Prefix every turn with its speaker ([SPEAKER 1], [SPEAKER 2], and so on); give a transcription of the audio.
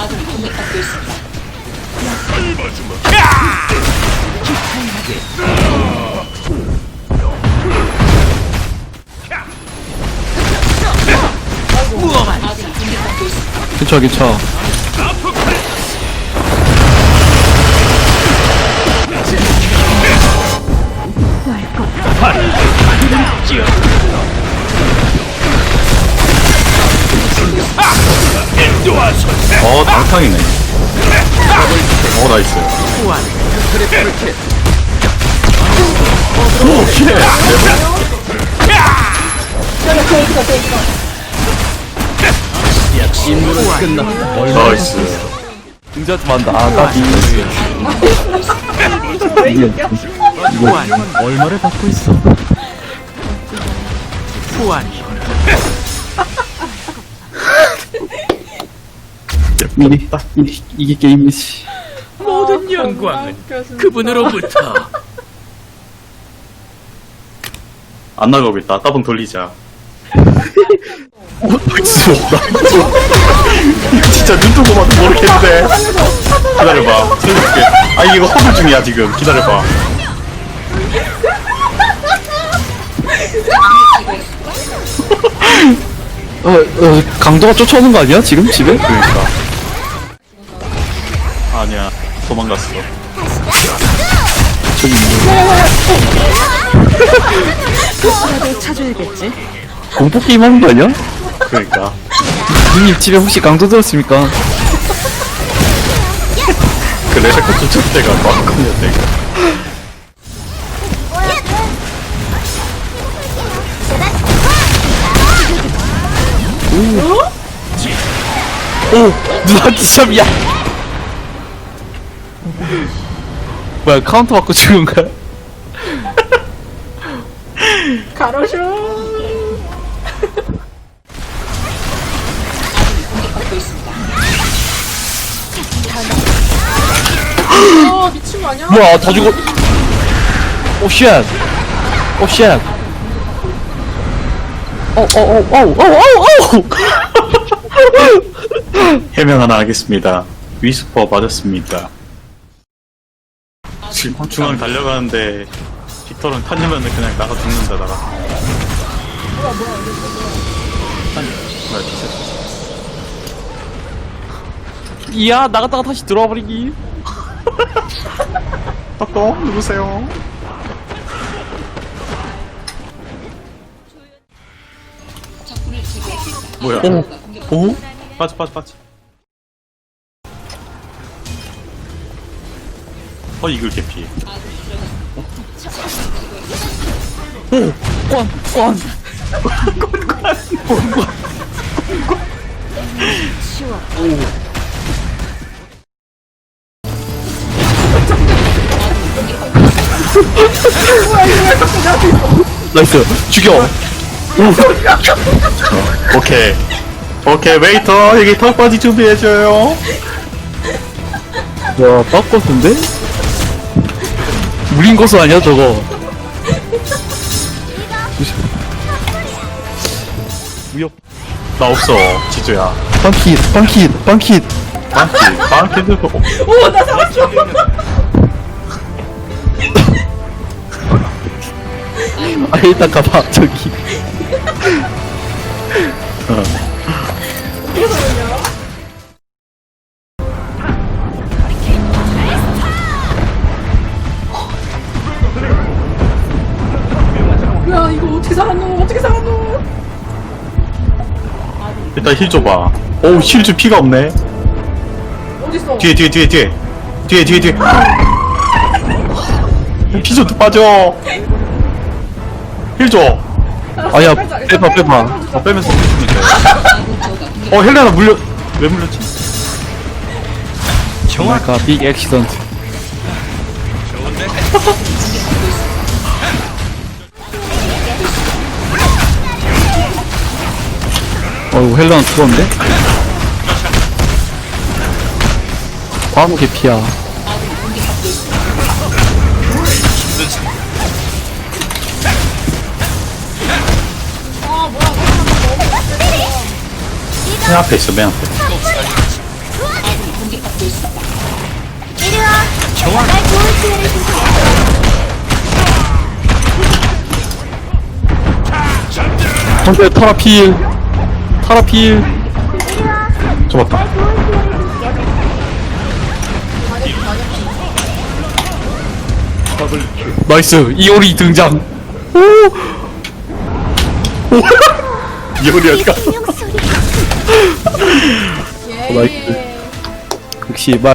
[SPEAKER 1] 아군이 공격받고 있습니다. 아군이 공격받고 있습니다.
[SPEAKER 2] 그쵸 그쵸.
[SPEAKER 3] 당탕이네. 나이스. 오, 쉣! 나이스.
[SPEAKER 2] 등자지 만다. 아, 까비.
[SPEAKER 4] 후환 얼마를 받고 있어? 후환이
[SPEAKER 2] 이게 게임이지.
[SPEAKER 4] 모든 영광은 그분으로부터.
[SPEAKER 3] 안 나가고 있다. 따봉 돌리자.
[SPEAKER 2] 진짜
[SPEAKER 3] 이거 진짜 눈 뜨고 봐도 모르겠는데. 기다려봐. 살려줄게. 아, 이거 허물 중이야, 지금. 기다려봐.
[SPEAKER 2] 강도가 쫓아오는 거 아니야 지금 집에?
[SPEAKER 3] 그러니까. 아니야. 도망갔어.
[SPEAKER 2] 저기
[SPEAKER 1] 찾아야겠지.
[SPEAKER 2] 공포 게임 하는 거 아니야?
[SPEAKER 3] 그러니까.
[SPEAKER 2] 누님 집에 혹시 강도 들었습니까?
[SPEAKER 3] 그 레베카 쫓을 때가 마음껏이었대, 이거.
[SPEAKER 2] 오 누나한테 참 야. 뭐야 카운터 받고 죽은 거야?
[SPEAKER 5] 가로슈.
[SPEAKER 1] 공격받고 있습니다.
[SPEAKER 5] 미친 거 아니야?
[SPEAKER 2] 뭐야 다 죽어. 오 쉣. 오 쉣. 오오오오오오오.
[SPEAKER 3] 해명 하나 하겠습니다. 위스퍼 맞았습니다. 지금 중앙 달려가는데 빅터는 타냐면 그냥 나가 죽는다 나가. 뭐야
[SPEAKER 2] 이야 나갔다가 다시 들어와 버리기.
[SPEAKER 3] 떡떡 누구세요?
[SPEAKER 1] 적군을 제거했습니다.
[SPEAKER 3] 뭐야? 오? 빠져. 이글 개피.
[SPEAKER 2] 권. 나이스 죽여.
[SPEAKER 3] 오케이 웨이터 여기 턱받이 준비해줘요.
[SPEAKER 2] 야 빡것인데? 물린 거수 아니야 저거? 무역
[SPEAKER 3] 나 없어 지조야.
[SPEAKER 2] 빵킷
[SPEAKER 3] 빵키 들고.
[SPEAKER 5] 오, 나 살았어.
[SPEAKER 2] 아 일단 가봐 저기.
[SPEAKER 5] 야, 이거 어떻게 살았노?
[SPEAKER 3] 일단 힐 줘봐. 오우 힐 줄 피가 없네.
[SPEAKER 5] 어딨어?
[SPEAKER 3] 뒤에 피 좀 빠져. 힐 줘.
[SPEAKER 2] 아야 빼봐.
[SPEAKER 3] 빼면서 힐 주면 돼. 헬레나 왜 물렸지?
[SPEAKER 2] 정확하 빅 액시던트. 어이구 헬라는 죽었는데? 바로 개피야.
[SPEAKER 3] 맨 앞에 있어 맨 앞에.
[SPEAKER 2] 방패 타라필. 타라필.
[SPEAKER 3] 잡았다.
[SPEAKER 2] 나이스. 이오리 등장.
[SPEAKER 3] 이효리 어디 갔어?
[SPEAKER 5] 예.
[SPEAKER 2] 역시 말